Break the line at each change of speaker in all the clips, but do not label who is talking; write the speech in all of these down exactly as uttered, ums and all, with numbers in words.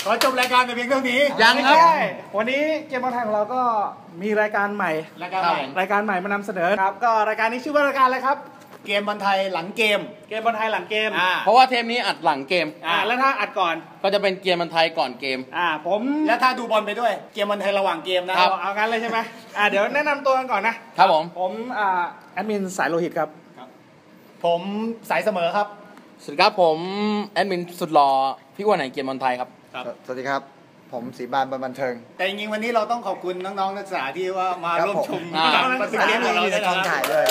อจบรายการแต่เพียงเท่านี้
ยังครับ
วันนี้เกมบอลไทยของเราก็มีรายการใหม่
รายการใหม่
รายการใหม่มานำเสนอครับก็รายการนี้ชื่อว่ารายการอะไรครับ
เกมบอลไทยหลังเกม
เกมบอลไทยหลังเกม
เพราะว่าเทปนี้อัดหลังเกม
อ่าแล้วถ้าอัดก่อน
ก็จะเป็นเกมบอลไทยก่อนเกม
อ่าผม
แล้วถ้าดูบอลไปด้วยเกมบอลไทยระหว่างเกมนะครับ
เอางั้นเลยใช่ไหมอ่าเดี๋ยวแนะนำตัวกันก่อนนะครับ
ผม
ผมอ่าแอดมินสายโลหิตครับ
ผมสายเสมอครับ
สวัสดีครับผมแอดมินสุดหล่อพี่อ้วนไหนเกมบอลไทยครับ
สวัสดีครับผมศรีบานบันเทิง
แต่จริงๆวันนี้เราต้องขอบคุณน้องๆนักศึกษาที่ว่ามาร่วมชม
การบันทึกเกมของเราในกองถ่ายด้วย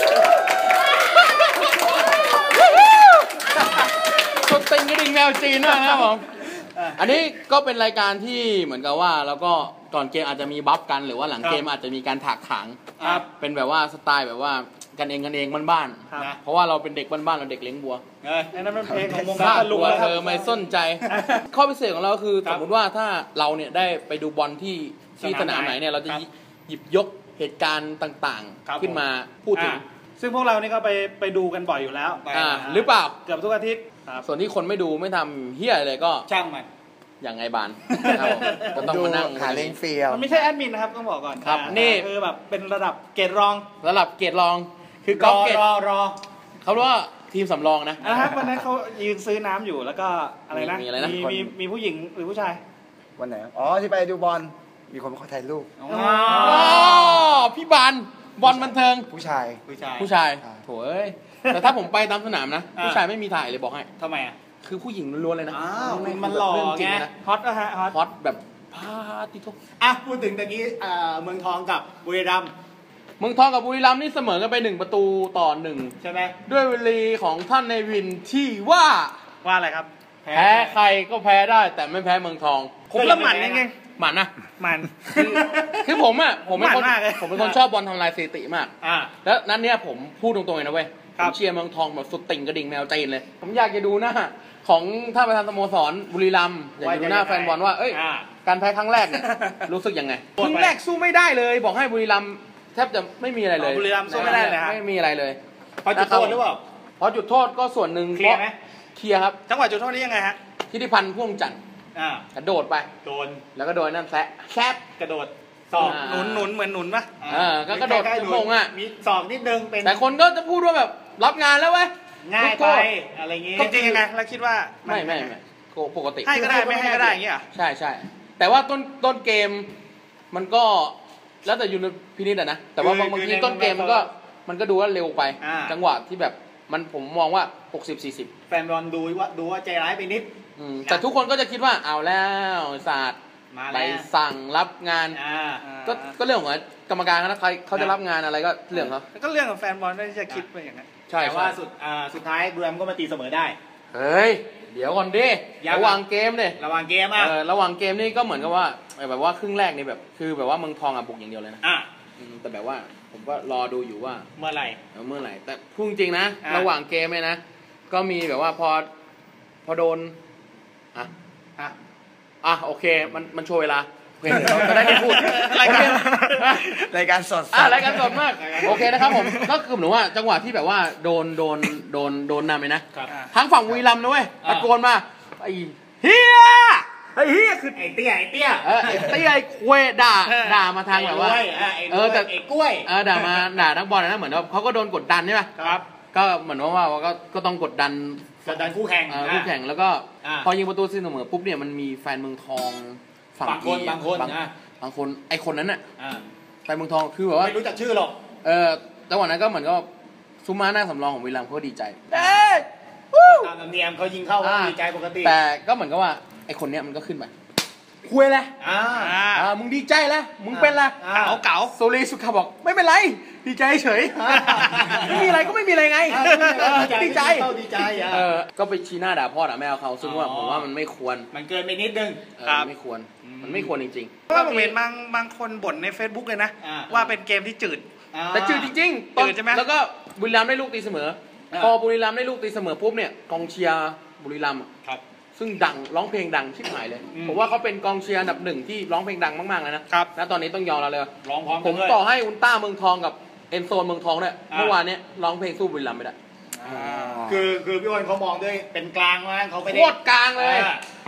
สุดติงกระดิ่งแมวจีนด้วยนะครับผมอันนี้ก็เป็นรายการที่เหมือนกับว่าแล้วก็ก่อนเกมอาจจะมีบัฟกันหรือว่าหลังเกมอาจจะมีการถากถางเป็นแบบว่าสไตล์แบบว่ากันเองกันเองบ้านๆเพราะว่าเราเป็นเด็กบ้านๆเราเด็กเลี้ยงบัว
นั่นเป็นเพลงของวง
การลุงเธอไม่สนใจข้อพิเศษของเราคือสมมติว่าถ้าเราเนี่ยได้ไปดูบอลที่ที่สนามไหนเนี่ยเราจะหยิบยกเหตุการณ์ต่างๆขึ้นมาพูดถึง
ซึ่งพวกเรานี่ก็ไปไปดูกันบ่อยอยู่แล้ว
หรือเปล่า
เกือบทุกอาทิตย์
ส่วนที่คนไม่ดูไม่ทำเฮี้ยเลยก็
ช่างมัน
อย่างไงบานก็ต้องมานั่ง
หาเล้งเฟีย
มันไม่ใช่แอดมินนะครับต้องบอกก่อน
ครับนี่
คือแบบเป็นระดับเกรดรอง
ระดับเกรดรองคือก
อเกรดรอรอ
เขาเรียกว่าทีมสำรองนะ
นะครับวันนั้นเขายืนซื้อน้ำอยู่แล้วก็อะไรนะมีมีมีผู้หญิงหรือผู้ชาย
วันไหนอ๋อที่ไปดูบอลมีคนมาขอถ่ายรูป
อ๋อพี่บานบอลบันเทิง
ผู้ชาย
ผู้ชาย
ผู้ชายโถ่เอ้ยแต่ถ้าผมไปตามสนามนะผู้ชายไม่มีถ่ายเลยบอกให้
ทำไมอ่ะ
คือผู้หญิงล้วนเลยนะ
มันหล่อไง
ฮอตนะฮะ
ฮอตแบบพาติทุก
อ่ะพูดถึงตะกี้เมืองทองกับบุรีรัมย์
เมืองทองกับบุรีรัมย์นี่เสมอกันไปหนึ่งประตูต่อหนึ่ง
ใช่ไหม
ด้วยวลีของท่านในวินที่ว่า
ว่าอะไรครับ
แพ้ใครก็แพ้ได้แต่ไม่แพ้เมืองทอง
ผมละหมันยังไง
หมันนะ
หมัน
คือผมอ่ะผมเป็นคนผมเป็นคนชอบบอลทำลายสถิติมากแล้วนั้นเนี่ยผมพูดตรงๆเลยนะเว้ยผมเชียร์เมืองทองแบบสุดติ่งกระดิ่งแมวจีนเลยผมอยากจะดูหน้าของท่านประธานสโมสรบุรีรัมย์อยากจะดูหน้าแฟนบอลว่าเอ้ยการแพ้ครั้งแรกเนี่ยรู้สึกยังไงครั้งแรกสู้ไม่ได้เลยบอกให้บุรีรัมย์แทบจะไม่มีอะไรเลย
บุรีรัมย์สู้ไม่ได้เลย
ไม่มีอะไรเลย
พอจุดโทษหรือเปล่า
พอจุดโทษก็ส่วนหนึ่ง
เคลียร์ไหม
เคลียร์ครับ
จังหวะจุดโทษนี้ยังไงฮะ
ทิติพันธ์พ่วงจันทร์กระโดดไป
โดน
แล้วก็โดนนั่นแซะแซบ
กระโดดศอก
หนุนหนุนเหมือนหนุนปะ
อ่าก็กระโดดโมงอ่ะ
มีศอกนิดนึงเป็น
แต่คนก็จะพูดว่าแบบรับงานแล้วเว้ย
ง่ายไปอะไรเงี้ย
จริงๆยังไงแล้วคิดว่า
ไม่ไม่ไม่ปกติ
ให้ก็ได้ไม่ให้ก็ได้อย่างเงี้ย
ใช่ใช่แต่ว่าต้นต้นเกมมันก็แล้วแต่ยูนิพินิจอะนะแต่ว่าบางทีต้นเกมมันก็มันก็ดูว่าเร็วไปจังหวะที่แบบมันผมมองว่าหกสิบ สี่สิบ
แฟนบอลดูว่าดูว่าใจร้ายไปนิด
แต่ทุกคนก็จะคิดว่าเอาแล้วศาสตร์ไปสั่งรับงานก็ก็เรื่องของกรรมการนะใครเขาจะรับงานอะไรก็เรื่องเขา
ก็เรื่องของแฟนบอลที่จะคิดไปอย่างนั้น
ใช่
แต่ว่าสุดสุดท้ายบุรีรัมย์ก็มาตีเสมอได้
เฮ้ยเดี๋ยวก่อนดิระหว่างเกมเนี่ย
ระหว่างเกมอ่ะ
ระหว่างเกมนี่ก็เหมือนกับว่าแบบว่าครึ่งแรกนี่แบบคือแบบว่าเมืองทองอ่ะบุกอย่างเดียวเลยนะแต่แบบว่าผมก็รอดูอยู่ว่า
เมื่อไหร่
เมื่อไหร่แต่พูดจริงนะระหว่างเกมเนี่ยนะก็มีแบบว่าพอพอโดนอ่ะอ่ะอ่ะโอเคมันมันโชว์เวลาโอเคจะได้ไม่พูด
รายการรายการสด
อ่ะรายการสดมากโอเคนะครับผมก็คือเหมือนว่าจังหวะที่แบบว่าโดนโดนโดนโดนนำเลยนะทั้งฝั่งบุรีรัมย์นะเว้ยตะโกนมาไอ้เฮียไอ้เฮียคือ
ไอ้เตี้ยไอ้เตี้ย
เออไอ้เตี้ยไอ้ควยด่าด่ามาทางแบบว่า
เออแต่ไอ้กล้วย
เออด่ามาด่านักบอลนะเหมือนว่าเขาก็โดนกดดันใช่ไหม
ครับ
ก็เหมือนว่าว่าก็ก็ต้องกดดัน
กดดันคู่แข่ง
คู่แข่งแล้วก็พอยิงประตูเสมอปุ๊บเนี่ยมันมีแฟนเมืองทอง
ฝั่งคนบางคน
บางคนไอ้คนนั้นน่ะแฟนเมืองทองคือแบบว่า
ไม่รู้จักชื่อหรอก
เออจังหวะนั้นก็เหมือนก็ซุมาหน้าสำรองของบุรีรัมย์เขาดีใจ
ตามธรรมเนียมเขายิงเข้าดีใจปกติ
แต่ก็เหมือนกับว่าไอ้คนเนี้ยมันก็ขึ้นไปคุยเลยอ่าอ่ามึงดีใจแล้วมึงเป็นละ
เก๋าเก๋า
โซลีสุขาบอกไม่เป็นไรดีใจเฉยไม่มีอะไรก็ไม่มีอะไรไงดีใจ
ดีใจ
เออก็ไปชี้หน้าด่าพ่อด่าแม่เขาซึ่งว่าผมว่ามันไม่ควร
มันเกินไปนิดนึง
ไม่ควรมันไม่ควรจริง
ๆเพราะว่าผมเห็นบางบางคนบ่นใน Facebook เลยนะว่าเป็นเกมที่จืด
แต่จืดจริงๆจืดใช่ไหมแล้วก็บุรีรัมย์ได้ลูกตีเสมอพอบุรีรัมย์ได้ลูกตีเสมอปุ๊บเนี่ยกองเชียร์บุรีรัมย์ซึ่งดังร้องเพลงดังชิบหายเลยผมว่าเขาเป็นกองเชียร์อันดับหนึ่งที่ร้องเพลงดังมากๆเลยนะครับณตอนนี้ต้องยอมเราเลย
ร้องพร้อม
ผมต่อให้อุลตร้าเมืองทองกับเอ็นโซนเมืองทองเนี่ยเมื่อวานนี้ร้องเพลงสู้บุรีรัมย์ไม่ได้
คือคือพี่อ้นเขามองด้วยเป็นกลางว่าเขาไม่ได้
โคตรกลางเลย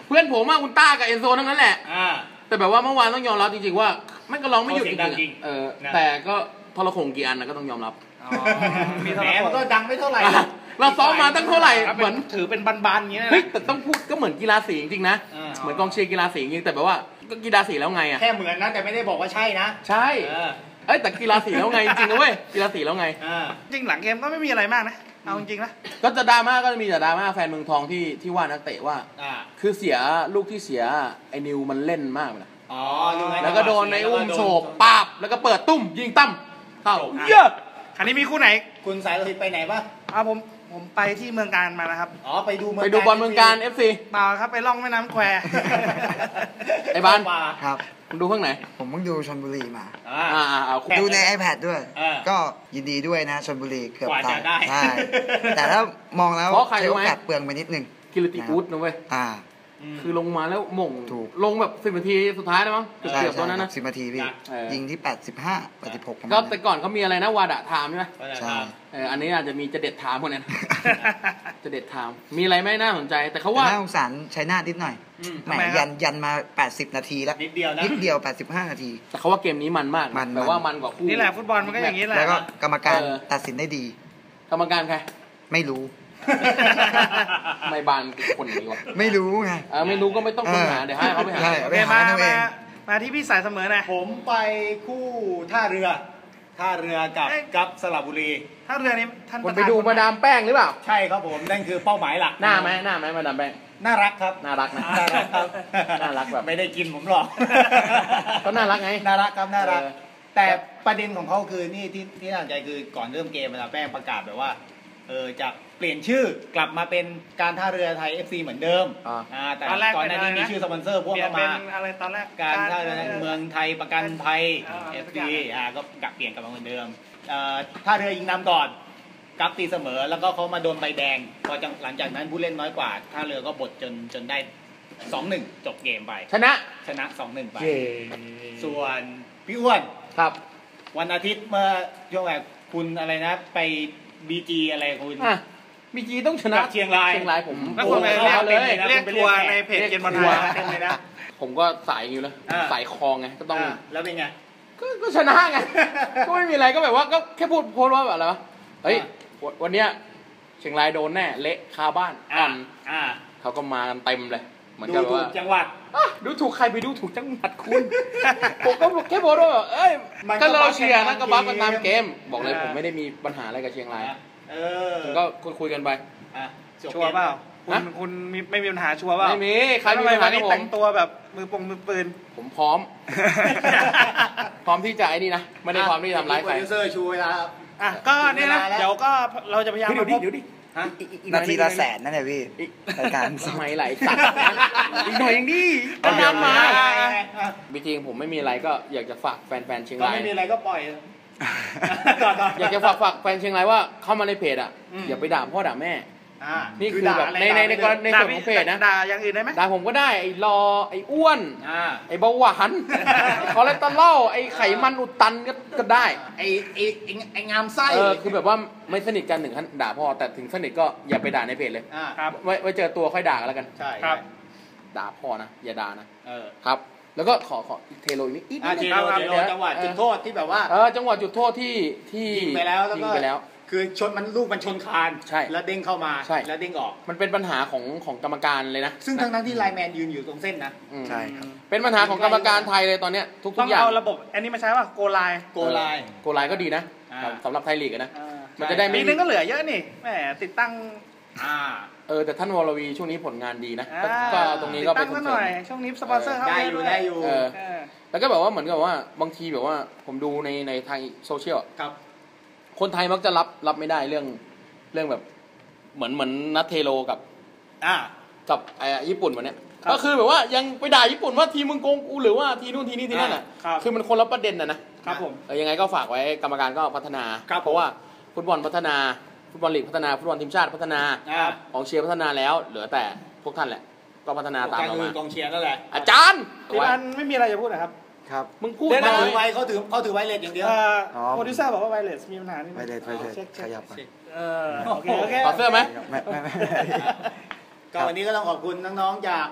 เพื่อนผมอะอุลตร้ากับเอนโซทั้งนั้นแหละ
อ่า
แต่แบบว่าเมื่อวานต้องยอมรับจริงๆว่าไม่ก็ร้องไม่หยุดจริงๆเออแต่ก็ทรโขงกี่อันนะก็ต้องยอมรับ
แหมมันก็ดังไม่เท่าไหร่
เราซ้อมมาตั้งเท่าไหร่เหมือน
ถือเป็นบานๆอย่างเงี้ย
เฮ้ยแต่ต้องพูดก็เหมือนกีฬาสีจริงๆนะเหมือนกองเชียร์กีฬาสีจริงแต่แบบว่าก็กีฬาสีแล้วไงอะ
แค่เหมือนนะแต่ไม่ได้บอกว่าใช่นะ
ใช่เอ้ยแต่กีฬาสีแล้วไงจริงๆนะเว้ยกีฬาสีแล้วไง
จริงหลังเกมก็ไม่มีอะไรมากนะเอาจริงๆนะ
ก็จะดราม่าก็จะมีแต่ดราม่าแฟนเมืองทองที่ที่ว่านักเตะว่าคือเสียลูกที่เสียไอ้นิวมันเล่นมากเลย
อ๋อ
แล้วก็โดนในอุ้มโฉบปาบแล้วก็เปิดตุ้มยิงตั้มเข้า
เยอะคันนี้มีคู่ไหน
คุณสายโลหิตไปไหนบ้าง
อ่าผมผมไปที่เมืองการมานะครับ
อ๋อไปดู
ไปดูบอลเมืองการ เอฟ ซี
เปล่าครับไปล่องแม่น้ำแคว
ไอ้บ้าน
ครับ
คุณดูเพิ่งไหน
ผมเพิ่งดูชลบุรีมา
อ่าอ่า
ดูใน iPad ด้วยก็ยินดีด้วยนะชลบุรีเกือบ
ตายใ
ช่แต่ถ้ามองแล้วใช้โอกาสเปลืองไปนิดนึง
กิรติอุดนะเว้ย
อ่า
คือลงมาแล้วหม่งลงแบบสิบนาทีสุดท้ายแล้วมั้งเกือบตัวนั้นนะ
สิบนาทีพี่ยิงที่แปดสิบห้า แปดสิบหก
ก็แต่ก่อนเขามีอะไรนะวาดะไทม์ใช่ไหม
ใช่
เอออันนี้อาจจะมีจะเด็ดไทม์พวกนั้นจะเด็ดไทม์มีอะไรไม่น่าสนใจแต่เขาว่า
น่าสงสารชัยนาทนิดหน่อยแหมยันยันมาแปดสิบนาทีแล้ว
นิดเดียวนะ
นิดเดียวแปดสิบห้านาที
แต่เขาว่าเกมนี้มันมาก
มัน
แต่ว่ามันกว่าคู่
นี่แหละฟุตบอลมันก็อย่างนี้แหละ
แล้วก็กรรมการตัดสินได้ดี
กรรมการใคร
ไม่รู้
ไม่บานคนนี้วะ
ไม่รู้ไง
เออไม่รู้ก็ไม่ต้องค้นหาเดี๋ยวให้เขาไปหา
ไปหาเองมาที่พี่สายเสมอนะ
ผมไปคู่ท่าเรือท่าเรือกับกับสระบุรี
ท่าเรือนี้ท่าน
ไปดูมาดามแป้งหรือเปล่า
ใช่ครับผมนั่นคือเป้าหมายหลัก
หน้าไหมหน้าไหมมาดามแป้ง
น่ารักครับ
น่ารักนะ
น่ารักครับ
น่ารักแบบ
ไม่ได้กินผมหรอก
ก็น่ารักไง
น่ารักครับน่ารักแต่ประเด็นของเขาคือนี่ที่ที่น่าสนใจคือก่อนเริ่มเกมมาดามแป้งประกาศแบบว่าเออจะเปลี่ยนชื่อกลับมาเป็นการท่าเรือไทย เอฟ ซี เหมือนเดิมอ่าแต่ก่อนหน้านี้มีชื่อสปอนเซอร์พวกเข้ามา
อะไรตอนแรก
การท่าเรือเมืองไทยประกันภัย เอฟ ซี อ่าก็กลับเปลี่ยนกลับมาเหมือนเดิมเอ่อท่าเรือยิงนำก่อนกลับตีเสมอแล้วก็เขามาโดนใบแดงพอหลังจากนั้นผู้เล่นน้อยกว่าท่าเรือก็บดจนจนได้ สองหนึ่ง จบเกมไป
ชนะ
ชนะ สองหนึ่ง ไปส่วนพี่อ้วน
ครับ
วันอาทิตย์เมื่อช่วงแบบคุณอะไรนะไป บี จี อะไรคุณ
บีจีต้องชนะ
เชียงราย
เชียงรายผม
ก็คนไปเรียกเลยเรียกทัวร์ในเพจเกมบอลไทย
เลยนะ
ผมก็สายอยู่แล้วสายคลองไงก็ต้อง
แล้วเป็นไง
ก็ชนะไงก็ไม่มีอะไรก็แบบว่าก็แค่พูดโพสว่าแบบอะไรวะเฮ้ยวันเนี้ยเชียงรายโดนแน่เละคาบ้านอ่อนเขาก็มากันเต็มเลยเหมือนกับว่า
จังหวัด
ดูถูกใครไปดูถูกจังหวัดคุณผมก็แค่โพสว่าเอ้ยก็เราเชียร์นะก็บัฟกันตามเกมบอกเลยผมไม่ได้มีปัญหาอะไรกับเชียงราย
เออ
ก็คุยกันไป
ชัวร์เปล่าคุณคุณไม่มีปัญหาชัวร์เปล่า
ไม่มีใครมีปัญหา
ที่แต่งตัวแบบมือปงมือปืน
ผมพร้อมพร้อมที่จะไอ้นี่นะไม่ได้พร้อมที่ทำร้ายใครโปร
ดิวเซอร์ชูเวลา
อ่ะก็นี่นะเดี๋ยวก็เราจะพยายามมาพบ
นาทีละแสนนั่นแหละพี่รายการ
สมัยไหลสัตว์อีกหน่อยยังดีก็นำมาจริงผมไม่มีอะไรก็อยากจะฝากแฟนๆเชียงราย
ก็ไม่มีอะไรก็ปล่อย
อยากจะฝากฝากแฟนเชียงรายว่าเข้ามาในเพจอ่ะอย่าไปด่าพ่อด่าแม่นี่คือแบบในในในในส่วนของเพจนะ
ด่าอย่างอื่นได้ไหม
ด่าผมก็ได้ไอ้รอไอ้อ้วนไอ้เบาหวานคอเลสเตอรอลไอ้ไขมันอุดตันก็ก็ได้
ไอ้ไอ้ไอ้งามไส้
เออคือแบบว่าไม่สนิทกันถึงขั้นด่าพ่อแต่ถึงสนิทก็อย่าไปด่าในเพจเลยไว้ไว้เจอตัวค่อยด่ากันแล้วกัน
ใช่ครับ
ด่าพ่อนะอย่าด่านะ
เออ
ครับแล้วก็ขอขอเทโลอีกนิด
อีกนิดจังหวะจุดโทษที่แบบว่า
เออจังหวะจุดโทษที่ที่
ยิงไปแล้วแล้วก็
ยิงไปแล้ว
คือชนมันลูกมันชนคาน
ใช่
แล้วเด้งเข้ามา
ใช่
แล้วเด้งออก
มันเป็นปัญหาของของกรรมการเลยนะ
ซึ่งทั้งทั้งที่ไลน์แมนยืนอยู่ตรงเส้นนะ
ใช่ครับ
เป็นปัญหาของกรรมการไทยเลยตอนเนี้ยทุกทุกอย่าง
ต้องเอาระบบอันนี้มาใช้ป่ะโกไลน์
โกไลน์
โกไลน์ก็ดีนะสำหรับไทยลีกนะมันจะได้
ไม่นึงก็เหลือเยอะนี่แหมติดตั้ง
อ่า
เออแต่ท่านวรวีช่วงนี้ผลงานดีนะก็ตรงนี้ก็ไป
ส่งเสริมช่วงนี้สปอนเซอร์เข้า
ได้อยู่ได้อยู่
แล้วก็แบบว่าเหมือนกับว่าบางทีแบบว่าผมดูในในทางโซเชียล
ครับ
คนไทยมักจะรับรับไม่ได้เรื่องเรื่องแบบเหมือนเหมือนนัทเทโรกับ
อ่า
กับไอ้ญี่ปุ่นวันเนี้ยก็คือแบบว่ายังไปด่าญี่ปุ่นว่าทีมึงโกงกูหรือว่าทีนู่นทีนี่ทีนั่นอ่ะคือมันคนละประเด็นนะ
นะครับผม
เออยังไงก็ฝากไว้กรรมการก็พัฒนาเพราะว่าฟุตบอลพัฒนาฟุตบอลลีกพัฒนาฟุตบอลทีมชาติพัฒนาของเชียร์พัฒนาแล้วเหลือแต่พวกท่านแหละก็พัฒนาตามเราม
ากองเชียร์นั่นแหละ
อาจารย์
ที่มันไม่มีอะไรจะพูดนะครับ
ครับ
มึงพูด
มาถือไวเขาถือเขาถือไวเลสอย่างเดียว
โปรดิวเซอร์บอกว่าไวเลสมีปัญหานี่
ไวเลสไวเลสขยับไป
เออโอเคโอเค
ถอดเสื้อไหม
ไม่ไม่ไม่
ก็วันนี้ก็ต้องขอบคุณน้องๆจาก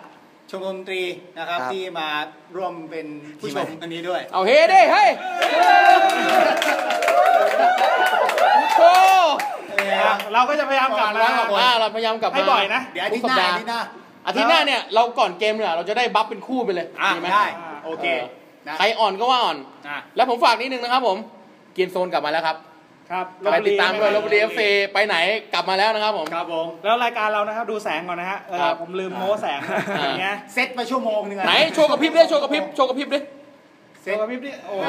ชมรมดนตรีนะครับที่มาร่วมเป็นผู้ชมอันนี้ด้วย
เอาเฮ้ดิเฮ้ยโอ้
เราก็จะพยายามกลับ
มาเราพยายามกลับมา
ให้บ่อยนะ
เดี๋ยวอาทิตย์หน้าอาทิตย์หน้า
อาทิตย์หน้าเนี่ยเราก่อนเกมเนี่ยเราจะได้บัฟเป็นคู่ไปเลย
ดีไหมได้โอเค
ใครอ่อนก็ว่าอ่อนแล้วผมฝากนิดนึงนะครับผมเกมโซนกลับมาแล้วครับ
ครับ
ไปติดตามด้วยลพบุรีเอฟซีไปไหนกลับมาแล้วนะครับผม
ครับผม
แล้วรายการเรานะครับดูแสงก่อนนะฮะผมลืมโม้แสงอย่างเงี้ย
เซตมาชั่วโมงนึง
ไหนโชว์กระพริบดิโชว์กระพริบโชว์กระพริบดิ
เซตกระพริบดิโอ้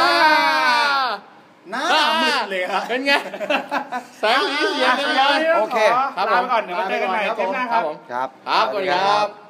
หน้ามืดเลยครับ
เป็นไงแสงสีเสียงกันเลย
โอเคลาไปก่อนเดี๋ยวมาเจอกันใหม่เทปหน้าครับ
ครับ
ครับสวัสดีครับ